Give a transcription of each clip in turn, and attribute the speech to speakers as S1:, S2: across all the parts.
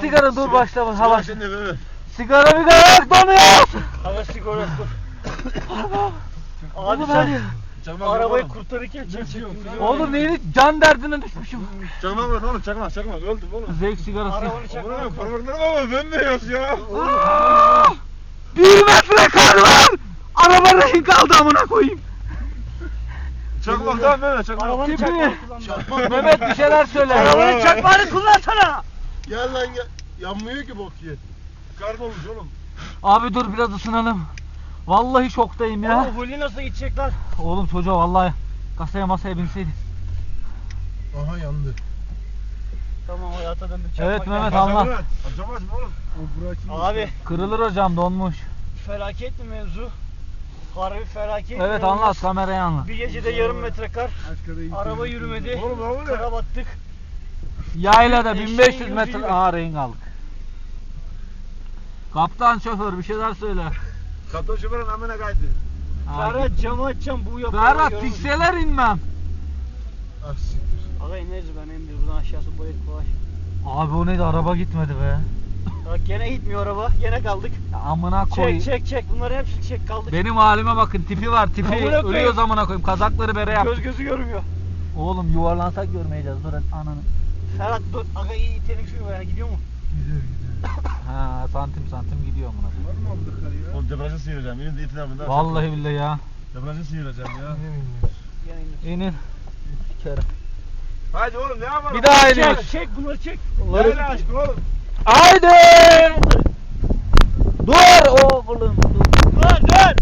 S1: sigara dur başlama.
S2: Sigara
S1: Hava.
S2: şimdi böyle.
S1: Sigara bir yok donuyor.
S3: Hava sigara dur. Abi
S1: Oğlum
S3: sen
S1: hadi.
S2: Çakmak
S3: arabayı
S2: yok oğlum.
S3: kurtarırken çekecektin.
S1: Oğlum neydi? Can derdine düşmüşüm.
S2: Çakmak var oğlum, çakmak öldüm oğlum.
S1: Zevk sigarası.
S3: Arabanı çakmak.
S2: Oğlum parmaklarım ama bembeyaz ya.
S1: Aa! 1 metre kar var. Araba rehin kaldı amına koyayım.
S2: Çakmak tamam böyle çakmak.
S3: Arabanı
S1: Tipi.
S3: çakmak kullan.
S1: Mehmet bir şeyler söyle.
S3: Arabanın çakmağını kullansana.
S4: Gel lan gel. Yanmıyor ki bok ye.
S2: Kar dolmuş oğlum.
S1: Abi dur biraz ısınalım. Vallahi şoktayım ya.
S3: Oğlum Huli nasıl gidecek lan?
S1: Oğlum çocuğa vallahi kasaya masaya binseydi.
S4: Aha yandı.
S3: Tamam hayata döndük.
S1: Evet,
S3: çakmak
S1: Mehmet,
S3: ya.
S1: anlat.
S2: Açamaz mı oğlum?
S4: O bırakayım.
S3: Abi
S1: Kırılır hocam donmuş.
S3: felaket mi mevzu? Harbi felaket.
S1: Evet
S3: inanılmaz.
S1: anlat kameraya anlat.
S3: Bir gecede yarım metre kar.
S4: Aşkada
S3: Araba yürümedi.
S2: Oğlum ne oluyor?
S3: Kara battık.
S1: Yaylada
S3: Eşeğin
S1: 1500 metre
S3: gözüyle.
S1: rehin kaldık. Kaptan şoför bir şeyler söyle.
S2: Kaptan şoförün amına kaydı.
S3: Ferhat camı açacağım bu yapıyor.
S1: Ferhat tikseler inmem.
S4: Ah siktir.
S3: Aga ineriz ben emdir buradan aşağısı boyut kolay.
S1: Abi o neydi araba gitmedi be.
S3: Bak gene gitmiyor araba. Gene kaldık.
S1: Ya amına koy.
S3: Çek. Bunları hepsini çek kaldık.
S1: Benim halime bakın tipi var tipi.
S3: Amına koyayım.
S1: Ölüyoruz amına koyayım kazakları bere yap.
S3: Göz gözü görmüyor.
S1: Oğlum yuvarlansak görmeyeceğiz dur ananı.
S3: Ferhat dur. Aga iyi itelim şunu yani gidiyor mu?
S4: Gidiyor.
S1: Ha santim gidiyor amına koyayım.
S4: Var mı aldık karı ya?
S2: Oğlum debriyajı sıyıracağım. Yine de itin abinde.
S1: Vallahi billahi ya.
S2: Debriyajı sıyıracağım ya.
S3: Gene indir.
S1: İnin. Sikerim.
S2: Haydi oğlum ne yapalım?
S1: Bir daha iniyoruz.
S3: Çek bunları çek.
S2: Yayla aşkı oğlum.
S1: Haydi. Dur oğlum dur.
S3: Dur.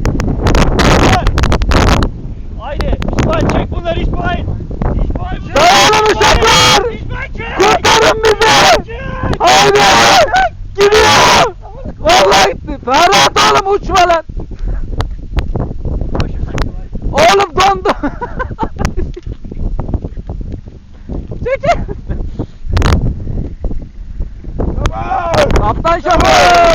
S3: Haydi İsmail çek bunları İsmail. İsmail çek.
S1: Dayanın uşaklar.
S3: İsmail çek.
S1: Kurtarın bizi. Haydi. Gidiyor. Vallahi gitti. Ferhat oğlum uçma lan. Oğlum dondu. Çekil. Kaptan şoför.